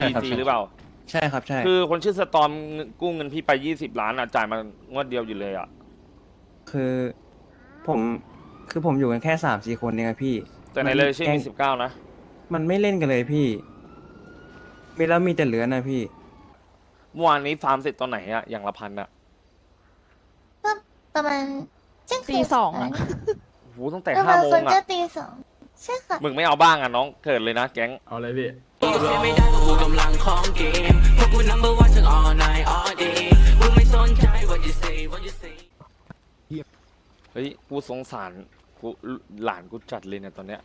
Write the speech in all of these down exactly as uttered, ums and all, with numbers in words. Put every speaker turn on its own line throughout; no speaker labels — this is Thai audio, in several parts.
ดีซีหรือเปล่า
ใช่ครับใช่
คือคนชื่อสตอมกู้เงินพี่ไปยี่สิบล้านอ่ะจ่ายมางวดเดียวอยู่เลยอ่ะ
คือผมคือผมอยู่กันแค่สามสี่คนเองอะพี่
แต่ใน
มัน
เลยชื่อ
แก๊ง
มีสิบเก้านะ
มันไม่เล่นกันเลยพี่มีแล้วมีแต่เหลือนะพี่
เมื่อวานนี้ฟาร์มเสร็จตอนไหนอ่ะอย่างละพันอ่ะ
ก็ประมาณเที่ยงคื
ตี
น
สองอะ
โอ้โหตั้งแต่
ประ
ห้า
มาณ
โม
ค
ง
น
อ่ะ
จะตีสองใช่ค่ะ
มึงไม่เอาบ้างอ่ะน้องเกิดเลยนะแก๊ง
เอาเลยพี่
เสียไม่ได้เพราะกูกำลังของเกมพวกกู number one ทั้ง all night all day มึงไม่สนใจ what you say what you say
เฮ้ยกูสงสารกูหลานกูจัดเลยเนี่ยตอนเนี้ย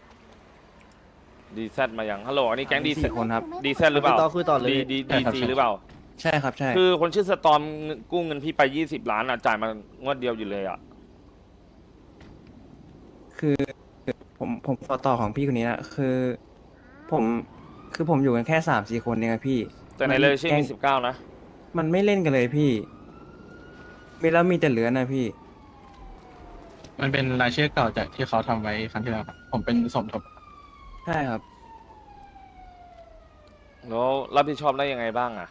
ดีแซดมายังฮัลโหลอันนี้แก๊งดีแซ
สี่
ด
คนครับ
ดีแซดหรือเปล่า
ต่อคุยต่อเลย
ดีดีดีซีหรือเปล่า
ใช่ครับใช่
คือคนชื่อสตอมกู้เงินพี่ไปยี่สิบล้านอ่ะจ่ายมางวดเดียวอยู่เลยอ่ะ
คือผมผมต่อต่อของพี่คนนี้นะคือ ผมคือผมอยู่กันแค่สามสี่คนเองอะพี่
แต่ในเลยชื่อ
แก๊ง
มีสิบเก้านะ
มันไม่เล่นกันเลยพี่มีแล้วมีแต่เหลือนะพี่
มันเป็นรายชื่อเก่าจากที่เขาทำไว้ครั้งที่แล้วครับผมเป็นสมทบ
ใช่ครับ
แล้วรับผิดชอบได้ยังไงบ้างอ่ะ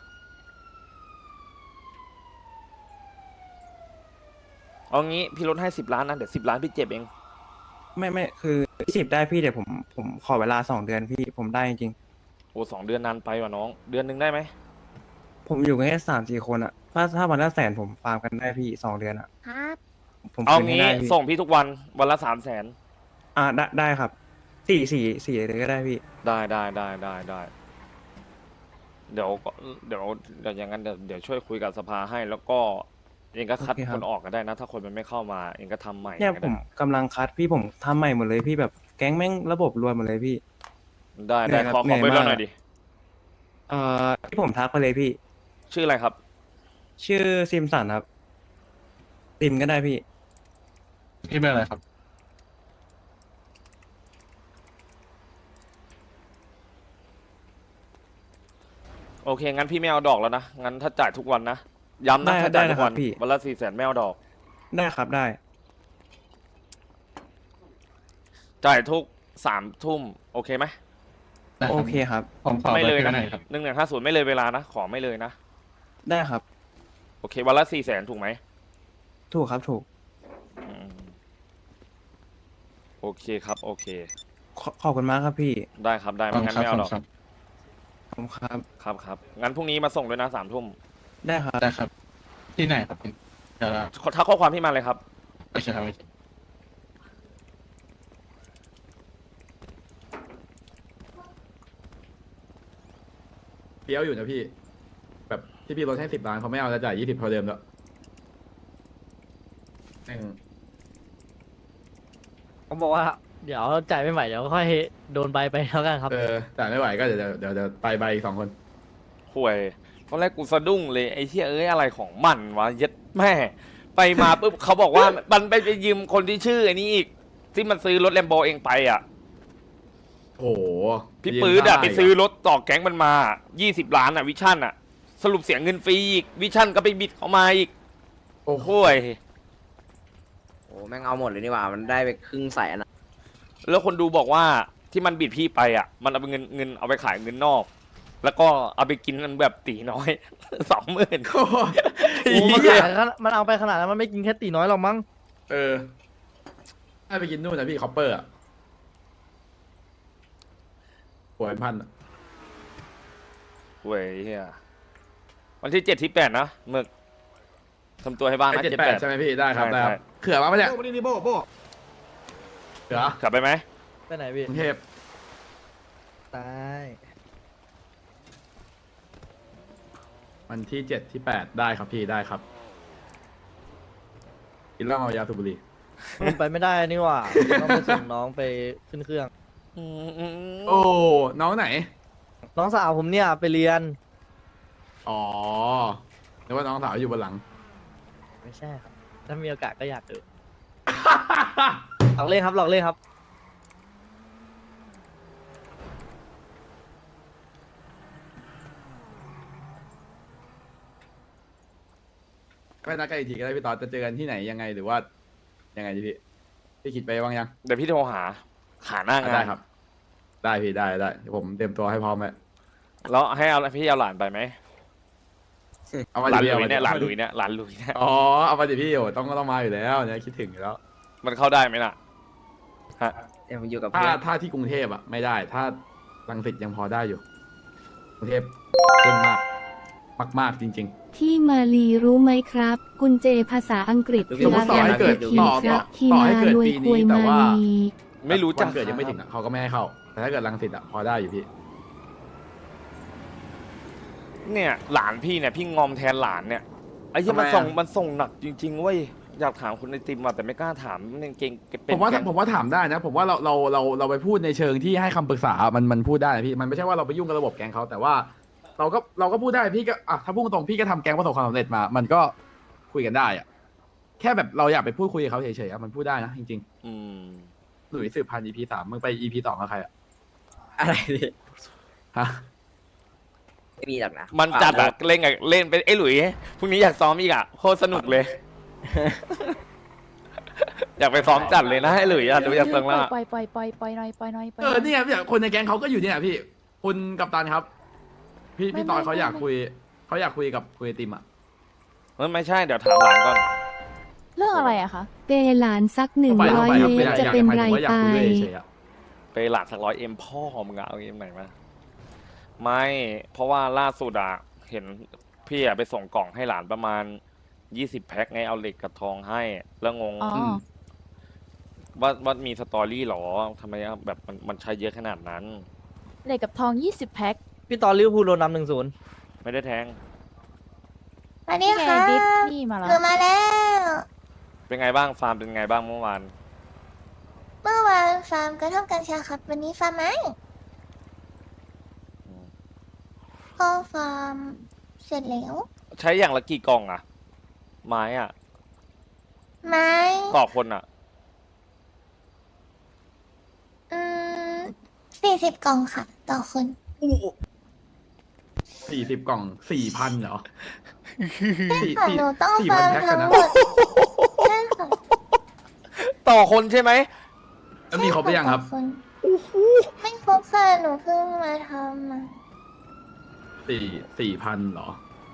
เอางี้พี่ลดให้สิบล้านนะเดี๋ยวสิบล้านพี่เจ็บเอง
ไม่ไม่คือสิบได้พี่เดี๋ยวผมผมขอเวลาสองเดือนพี่ผมได้จริง
โอ้สองเดือนนานไปว่ะน้องเดือนหนึ่งได้ไหม
ๆผมอยู่กันแค่สามสี่คนอะถ้าถ้าวันละแสนผมฟาร์มกันได้พี่สองเดือนอะ
ครับ
ผม
เอา
คืนให้
งี้
ได้พี่
ส่งพี่ทุกวันวันละสามแสน
อ่าได้ได้ครับสี่สี่สี่เลยก็ได้พี่
ได้ได้ได้ได้ได้เดี๋ยวก็เดี๋ยวเดี๋ยวอย่างนั้นเดี๋ยวเดี๋ยวช่วยคุยกับสภาให้ แล้วก็เองก็คัดคนออกก็ได้นะ ถ้าคนมันไม่เข้ามาเองก็ทำใหม่
เนี่ย
ก็
ผ
ได้
มกำลังคัดพี่ผมทำใหม่หมดเลยพี่แบบแก๊งแม่งระบบรวนหมดเลยพี่
ได้ได้
เหนื่อยครับ
ขอขอไป
เหนื่
เรื่
อ
อย งห
มาก
น่อยดิ
เอ่อที่ผมทักไปเลยพี่
ชื่ออะไรครับ
ชื่อซิมสันครับซิมก็ได้พี่
พี่เป็นอะไรครับ
โอเคงั้นพี่ไม่เอาดอกแล้วนะงั้นถ้าจ่ายทุกวันนะย้ำนะ
ได้
ถ้าจ่าย
ได้
ทุกวัน
นะครับพี่
วันละสี่แสนไม่เอาดอก
ได้ครับได้
จ่ายทุกสามทุ่มโอเคไหม
ได้รับ
โอเคครับ
ผมขอ
ไม่
เบอ
เลย
ร์พี่
นะ
หน่อยครับ
หนึ่งหนึ่งห้าศูนย์ไม่เลยเวลานะขอไม่เลยนะ
ได้ครับ
โอเควันละสี่แสนถูกไหม
ถูกครับถูก
อืมโอเคครับโอเค
ขอขอบคุณมากครับพี่
ได้ครับได้
ขอบ
ไม่
คุณ
งั้น
ครับ
ไม่เอา
ข
ด
อ
อบ ก
คุณครับ
ขอบคุณครับ
ครับครับงั้นพรุ่งนี้มาส่งด้วยนะสามทุ่ม
ได้ครับ
ได้ครับ ที่ไหนครับพี่เดี๋ยวเรา
ทักข้อความพี่มาเลยครับ
โอเคครับโอเค
เปี้ยวอยู่นะพี่ แบบที่พี่ลดให้สิบล้านเขาไม่เอาจะจ่ายยี่สิบเท่าเดิมแล้วแม่ง
ผมบอกว่า เดี๋ยวจ่ายไม่ไหวเดี๋ยวค่อยโดนใบไปแล้วกันครับ
เออจ่ายไม่ไหวก็เดี๋ยวเดี๋ยวเดี๋ยวเดี๋ยวไปใบอีกสองคน
ห่วยตอนแรกกูสะดุ้งเลยไอ้เชี่ยเอ้ยอะไรของมันวะเย็ดแม่ไปมาปุ๊บเขาบอกว่ามันไปไปยืมคนที่ชื่อไอ้นี้อีกที่มันซื้อรถแลมโบเองไปอ่ะ
โอ้โห
พี่ปื๊ดอะ
ยืม
ไป
ค่า
ซื้อรถต่อแก๊งมันมายี่สิบล้านอะวิชั่นอะสรุปเสียเงินฟรีอีกวิชั่นก็ไปบิดเขามาอีก
โอ้โห
ห่วย
โอ้แม่งเอาหมดเลยนี่หว่า มันได้ไปครึ่งแสนอะ
แล้วคนดูบอกว่าที่มันบิดพี่ไปอะมันเอาไปเงินเงินเอาไปขายเงินนอก แล้วก็เอาไปกินแบบตีน้อย สองหมื่น
โอ้โห
โอ้มันขายขนาดมันเอาไปขนาดนั้นมันไม่กินแค่ตีน้อยหรอกมั้ง
เออให้ไปกินนู่นนะพี่คอปเปอร์อะป่วยพันอะ
ห่วยเฮียวันที่เจ็ดที่แปดนะหมึกทำตัวให้บ้าง
ไอ
นะ
เจ็ด
เจ็ด
แป
แป
ด
ด
ใช่ไหมพี่ได้ครับ
ใช่
ได้ครับ
ใช่
เขื่อมาปะเนี่ยโบนี่โบโบเขื่อก
ลับไปไหม
ไปไหนพี่
กรุงเทพ
ตาย
วันที่เจ็ดที่แปดได้ครับพี่ได้ครับกินเหล้าเอายาสูบบุหรี่
มันไปไม่ได้นี่หว่าต้องไปส่งน้องไปขึ้นเครื่อง
อืมอืมอืม
โอ้น้องไหน
น้องสาวผมเนี่ยไปเรียน
อ๋อนึกว่าน้องสาวอยู่บนหลัง
ไม่ใช่ครับ ถ้ามีโอกาสก็อยากเออหลอกเล่นครับหลอกเล่นครับ
ไม่นัดกันอีกทีก็ได้พี่ตอนจะเจอกันที่ไหนยังไงหรือว่ายังไงดีพี่พี่คิดไปบ้างยัง
เดี๋ยวพี่โทรหาหาหน้างา
ได้
น
ครับ ได้พี่ได้ได้เดี๋ยวผมเตรียมตัวให้พร้อมไว้
แล้วให้เอาพี่เอาหลานไปไหม
เอามา
หลาน
ดิ
หลุ
พี่
ยเนี่ยหลานหลุย
เ
เนี่ยหลานหลุยเนี่ย
อ๋อเอามาดิพี่โอ้ต้องก็ต้องมาอยู่แล้วเนี่ยคิดถึงอยู่แล้ว
มันเข้าได้ไหมล่ะฮะ
เดี๋ยวผมอยู่กับ
ถ้า
เพื่อน
ถ้าที่กรุงเทพอ่ะไม่ได้ ถ้ารังสิตยังพอได้อยู่กรุงเทพเข้มมากมากมากๆจริง
ที่มาลีรู้ไหมครับ กุญเจภาษาอังกฤษ
ๆ
คื
สม
อ
มติต่อ
อะไร
ให้เกิด
คิ
ต่
ด
อ
ค
ต่
รั
อบ
ที่
ต่อ
มา
ให้เกิด
รวย
ปี
ค
นี้
วย
แต่
มา
ว่า
ลี
ไม่รู้จัก
วันเกิดยังไม่ถึงอ่ะเขาก็ไม่ให้เข้า แต่ถ้าเกิดรังสิตอ่ะพอได้อยู่พี่
เนี่ยหลานพี่เนี่ยพี่งอมแทนหลานเนี่ยไอ้ที่
ทำไม
มันส่ง
อะ
มันส่งหนักจริงๆเว้ยอยากถามคุณไอติมอ่ะแต่ไม่กล้าถามมันยังเก่งเป็น
ผมว่า
แก๊ง
ผมว่าถามได้นะ ผมว่าเราเราเราเราไปพูดในเชิงที่ให้คำปรึกษา มันมันพูดได้นะพี่ มันไม่ใช่ว่าเราไปยุ่งกับระบบแก๊งเขาแต่ว่า เราก็เราก็พูดได้พี่ก็อ่ะถ้าพูดตรงๆพี่ก็ทำแก๊งประสบความสำเร็จมา มันก็คุยกันได้อ่ะแค่แบบเราอยากไปพูดคุยกับเขาเฉยๆอ่ะมันพูดได้นะจริง
อืม
ๆหลุยสืบพันธุ์ อี พี สามมึงไป อี พี สองกับใครอ่ะ
อะไรพี่
ฮะ
ไม่มีหรอกนะ
มันจัดอะเล่นกับเล่นเป็นไอ้หลุยพรุ่งนี้อยากซ้อมอีกอะโคตรสนุกเลย อยากไปซ้อมจัดเลยนะไอ้หลุยอะดูอยากฟังแล้วอะ
ปล่อยปล่อยปล่อยปล่อยหน่อยปล่อยหน่อยปล่อย
เออเนี่ยเนี่ยคนในแก๊งเขาก็อยู่เนี่ยพี่คุณกัปตันครับ พี่พี่ตอนเขาอยากคุยเขาอยากคุยกับคุยไอติมอ่ะ
เออไม่ใช่เดี๋ยวถามหลานก่อน
เรื่องอะไรอะคะ
เปหลานสักหนึ่ง
ไป
ร้อย
ไป
เม
ครับ
ตรจะเป็นไร
อยาก
ไป
คุยด้วยเฉยๆอะ
ไปหลานสักร้อยเอ็มพ่อมึงอะเอาเอ็มไหนมาไม่เพราะว่าล่าสุดอะเห็นพี่อะไปส่งกล่องให้หลานประมาณยี่สิบแพ็คไงเอาเหล็กกับทองให้แล้วงง
อ๋ออ
ว่าว่ามีสตอรี่หรอทำไมอะแบบมันมันใช้เยอะขนาดนั้น
เหล็กกับทองยี่สิบแพ็ค
พี่ตอนลิเวอร์พูลโดนนำหนึ่งศูนย์
ไม่ได้แทง
สวัสดี
ไง
ค่ะ
ดิสนี่มาแล้ว
หนูมาแล้ว
เป็นไงบ้างฟาร์มเป็นไงบ้างเมื่อวาน
เมื่อวานฟาร์มกระท่อมกัญชาครับ วันนี้ฟาร์มไหมก็ฟาร์มเสร็จแล้ว
ใช้อย่างละกี่กล่องอะไม้อะ
ไม้
ต่อคนอะ
อืมสี่สิบกล่องค่ะ ต่อคน
สี่สิบกล่องสี่พันเหรอสี่
ค่ะ
สี่
หนูต้อง
สี่
ฟา
พัน
ร์ม
แพ็คกั
ทั้
น
ง
นะ
หมดใช่ค่ะ
ต่อคนใช่ไหม
แล้วมีครบหรือยังครับ
ต่อคนไม่ครบค่ะ หนูเพิ่งมาทำอ่ะ
สี่สี่พันเหรอ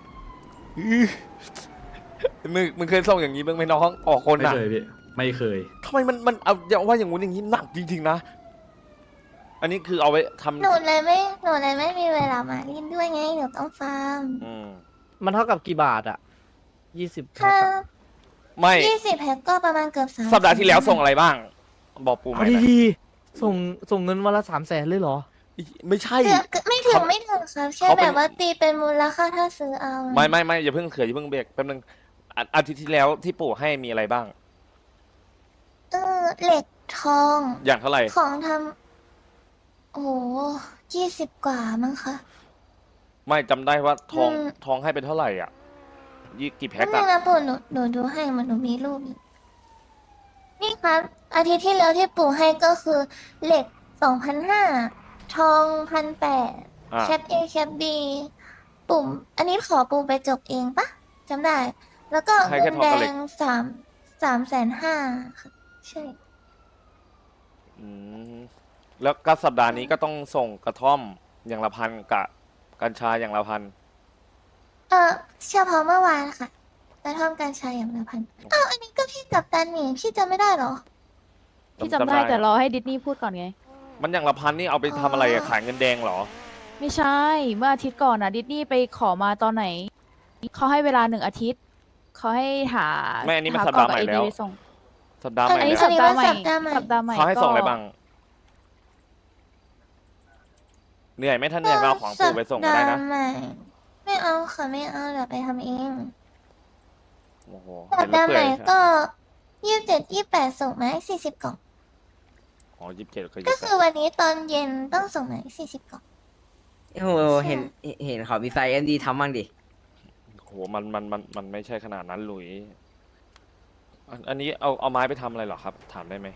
มึงมึงเคยส่งอย่างนี้บ้างไหมน้องต่อคน
ไม่
อะ
เคยพี่ไม่เคย
ทำไมมันมันเอาอย่าว่าอย่างงู้นอย่างนี้หนักจริงๆนะ อันนี้คือเอาไว้ทำ
หนูเลยไม่ หนูเลยไม่มีเวลามาเล่นด้วยไง หนูต้องฟาร์ม
อืม
มันเท่ากับกี่บาทอะยี่สิบแพ็
ถ้า
คอะ
ไม่
ยี่สิบแพ็คก็ประมาณเกือบสาม
สัปดาห์ที่แล้วส่งอะไรบ้าง บอกปูไหม
เอา
นะ
ดีๆส่งส่งเงินวันละสามแสนเลยเหรอ
ไม่ใช่
เกือบไม่ถึงไม่ถึงครับแค่
เขาเป็
แบ
น
บว่าตีเป็นมูลค่าถ้าซื้อเอา
ไม่ไม่ไม่อย่าเพิ่งเขืออย่าเพิ่งเบรกแป๊บนึงอาอาทิตย์ที่แล้วที่ปู่ให้มีอะไรบ้าง
เออเหล็กทอง
อย่างเท่าไหร่
ของทำโอ้โหยี่สิบกว่ามั้งคะ
ไม่จำได้ว่าทอง
อืม
ทองให้เป็นเท่าไหร่อ่ะยี่กี่แพ็
นั่
คน
เอง
อะ
นะปู่หนูหนูดูให้มันหนูมีรูปอยู่นี่ครับ อาทิตย์ที่แล้วที่ปู่ให้ก็คือเหล็กสองพันห้าทองพันแปด
อ่ะ
แคปเอแคปบีปุ่ม อันนี้ขอปู่ไปจบเองปะจำได้ แล้วก็
ให้
เงิ
แค่
น
ทอง
แด
กับเหล็ก
งสามสามแสนห้าค่ะใช่
อืมแล้วก็สัปดาห์นี้ก็ต้องส่งกระท่อมอย่างละพันกับกัญชาอย่างละพัน
เออเฉพาะเมื่อวานค่ะกระท่อมการชายอย่างละพันอ้าวอันนี้ก็พี่กับตันนี่พี่จำไม่ได้เหรอ
พี่จำได้แต่รอให้ดิสนีย์พูดก่อนไง
มันอย่างละพันนี่เอาไปทำอะไรอะ
อ๋อ
ขายเงินแดงเหรอ
ไม่ใช่ เมื่ออาทิตย์ก่อนอะดิสนีย์ไปขอมาตอนไหน เขาให้เวลาหนึ่งอาทิตย์ เขาให้หา
ไม่อันนี้มัน
ห
สัปดาห์ใหม่
กรอก
แล้ว
ไอดีไปส่ง
สัปดาห์ให
อั
ม่
นนี้
แล้ว
สัปดาห์ใหม่
สัปดาห์ใหม่
สัปดาห์ใหม่
เขาให้ส่งอะไร
ก็
บ้าง เหนื่อยไหมถ้าเหนื่อยก็เอาของปู่ไปส่งก็ได้นะ
สัปดาห์ใหม่ไม่เอาค่ะไม่เอาเดี๋ยวไปทำเอง
โอ้โห
สั
เห็
ป
นแล้
ดาว ห์
เปื่
ให
อ
ม่
ย
ก็ยี่สิบเจ็ดยี่แปดส่งมาสี่สิบกล่อง
อ๋อยี่สิบเจ็ดก็
ก็
ยี่สิบ
คือวันนี้ตอนเย็นต้องส่งมาสี่สิบกล่อง
โอ้โหเห็นเห็นเขามีไซเอ็มดีทำบ้างดิ
โหมันมันมันมันไม่ใช่ขนาดนั้นหลุยอันอันนี้เอาเอาไม้ไปทำอะไรเหรอครับ ถามได้ไหม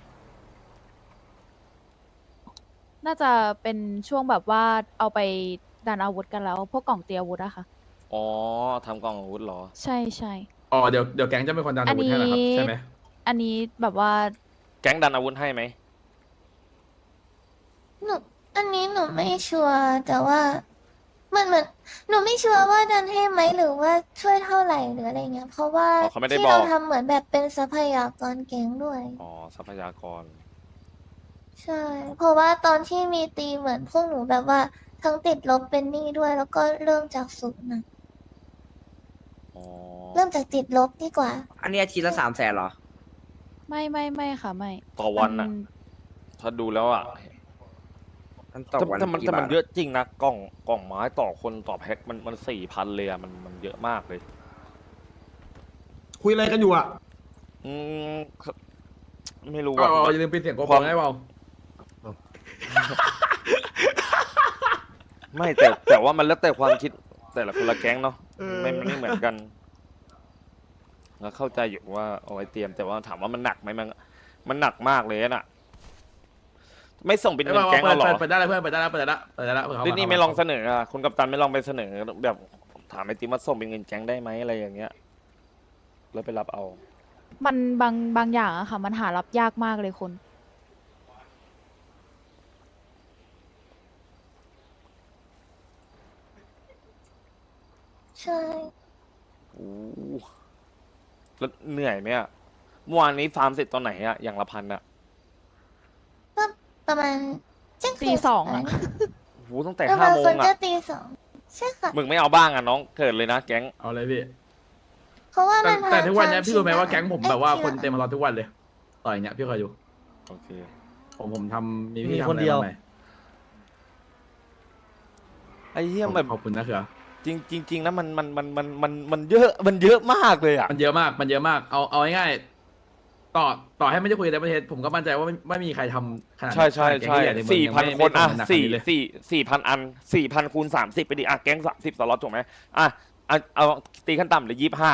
น่าจะเป็นช่วงแบบว่าเอาไปดันอาวุธกันแล้ว พวกกล่องเตรียมอาวุธอะค่ะ
อ๋อทำกล่องอาวุธเหรอ
ใช่ใช่
อ๋อเดี๋ยวเดี๋ยวแก๊งจะเป็นคนดันอาวุธให้นะครับ
อันนี้
ใช่ไหม
อันนี้แบบว่า
แก๊งดันอาวุธให้ไหม
หนูอันนี้หนูไม่ชัวร์แต่ว่าเหมือนเหมือนหนูไม่ชัวร์ว่าดันให้ไหมหรือว่าช่วยเท่าไหร่หรืออะไรเงี้ย เพราะว่า
อ๋อเขาไม่ได้
ที่
บอก
เราทำเหมือนแบบเป็นทรัพยากรแก๊งด้วย
อ๋อทรัพยากร
ใช่ เพราะว่าตอนที่มีตีเหมือนพวกหนูแบบว่าทั้งติดลบเป็นหนี้ด้วย แล้วก็เริ่มจากศูนย์นะ
อ๋อ
เริ่มจากติดลบดีกว่า
อันนี้อาทิตย์ละสามแสนเหรอ
ไม่ไม่ไม่ค่ะไม่
ต่อวันอะ
มั
ถ้าดูแล้วอะ
มันตก
แต่
วัน
แต่มัน
กี่
แต่มัน
บาท
เยอะจริงนะกล่องกล่องไม้ต่อคนต่อแพ็คมันมันสี่พันเลยอะมันมันเยอะมากเลย
คุยอะไรกันอยู่อ่ะ
อืมไม่รู้
ก็
ว่า
อย่าลืมปิดเสียงโก
ค
โป
วาม
ได้เปล่า
ไม่แต่แต่ว่ามันแล้วแต่ความคิดแต่ละคนละแก๊งเนาะไม่มันไม่เหมือนกันแล้วเข้าใจอยู่ว่าเอาไว้เตรียมแต่ว่าถามว่ามันหนักไหมมันมันหนักมากเลยน่ะ ไม่ส่งเป็นเงินแก๊งเราหรอ
เปิดได้แล้วเพื่อนเปิดได้แล้วเปิดได้แล้วเปิดได้แล้วเปิดเข้า
นี่
มา
นี่ไม่ลองเสนออ่ะคุณกัปตันไม่ลองไปเสนอแบบถามไอติมว่าส่งเป็นเงินแก๊งได้ไหมอะไรอย่างเงี้ยแล้วไปรับเอา
มันบางบางอย่างอะค่ะ มันหารับยากมากเลยคุณ
ใช่
โอ้แล้วเหนื่อยไหมอะเมื่อวานนี้ฟาร์มเสร็จตอนไหนอะอย่างละพันอะ
ก็ประมาณเที่ยงคืน
ตีสองอะ
ะ
โอ้โหตั้งแต่
แล้ว
ห้า
บาง
โม
ค
ง
น
อะ
ก็ตีสองใช่ค่ะ
มึงไม่เอาบ้างอะน้องเกิดเลยนะแก๊ง
เอาเลยพี่
เพราะว่า
แต่
มัน
แต่ทุกวันเนี้ย
ผ่
พี่รู้ไหมว่า
ชิ
แก๊งผม
อ้ย
แบบว่า
ชิ
คนเต็มมารอทุกวันเลยต่อยเนี้ยพี่เคยดู
โอเค
ผมผมทำมี
มี
พี่ทำ
คนเดียว
อะไรบ้างไหม
ไอ้เหี้ยแบบ
ขอบคุณนะเขือ
จริงจริงจริงนะมันมันมันมันมันมันเยอะมันเยอะมากเลยอะ
มันเยอะมากมันเยอะมากเอาเอาง่ายๆต่อต่อให้ไม่ได้คุยในประเทศผมก็มั่นใจว่าไม่ไม่มีใครทำขนาด
ใช่ใช่
ขนาดแก๊ง
ใช่
ใหญ่ในเมือง
สี่
ยัง
พัน
ไม่
คน
ไม่
อะ
ทำขนาด
สี่
นี้เลย
สี่สี่พันอันสี่พันคูณสามสิบไปดิอะแก๊งสามสิบสล็อตถูกไหมอ่ะเอาเอาตีขั้นต่ำเลยยี่สิบห้า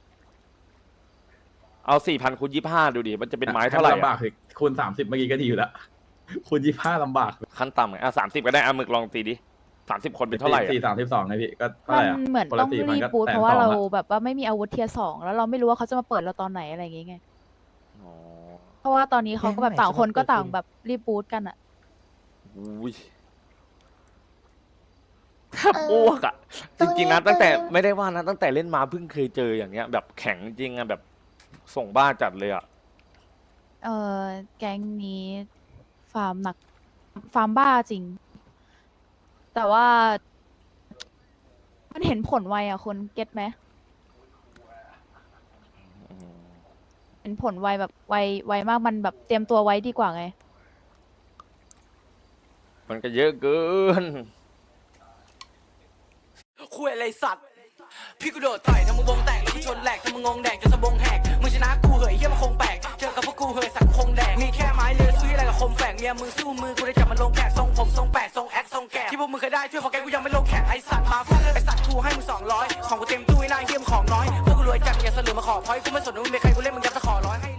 เอาสี่พันคูณยี่สิบห้าดูดิมันจะเป็นไม้เท่าไหร่
ให้นลำบา
อะ
กคือคูณสามสิบเมื่อกี้ก็ดีอยู่แล้วคูณยี่ห้าลำบาก
ขั้นต่ำไงอ่ะสามสิบก็ได้อ่ะมึกลองตีดิสามสิบคนเป็นเท่าไหร่อะ
สี่สามสิบสองไงพี่ก็เท่า
มั
ไหร่อะ
นเหมือน
คน
ต้
ละ
อง
สี่พัน
รีบ
ก็
บูท
แสน
เพราะว่า
สอง
เรา
อะ
แบบว่าไม่มีอาวุธเทียร์สองแล้วเราไม่รู้ว่าเขาจะมาเปิดเราตอนไหนอะไรอย่างเงี้ย
อ๋อ
เพราะว่าตอนนี้เขาก็แบบต่างคนก็ต่างแบบรีบบูทกันอะ
อุ้ยแทบอ้วกอ่ะ จริงๆนะตั้งแต่ไม่ได้ว่านะตั้งแต่เล่นมาเพิ่งเคยเจออย่างเงี้ย แบบแข็งจริงอ่ะแบบส่งบ้าจัดเลยอ่ะ
เออแก๊งนี้ฟาร์มหนัก ฟาร์มบ้าจริง แต่ว่า มันเห็นผลไวอะคนเก็ตไหม
อืม
เห็นผลไวแบบไวไวมากมันแบบเตรียมตัวไว้ดีกว่าไง
มันก็เยอะเกิน
คุยอะไรสัตว์ พี่กูโดดต่อยทำมึงวงแตกแล้วกูชนแหลกทำมึงงงแดกจนสะบงแหกมึงชนะกูเหยเยี่ยมนคงแปลกเจอกับพวกกูเหยสักคงแดกมีแค่ไม้เลือซื้ออะไรกับคมแฝกเมียมึงสู้มือกูได้จับมันลงแขกทรงผมทรงแปดทรงแอคทรงแกะที่พวกมึงเคยได้ช่วยของแกกูยังไม่ลงแขกไอสัตว์มาฟาดไอสัตว์กูให้มึงสองร้อยของกูเต็มตู้ไอ้หน้าเยี่ยมของน้อยพวกกูรวยจัดอย่าเสลือมาขอพอยกูไม่สนว่ามึงเป็นใครกูเล่นมึงยับตะขอร้อยให้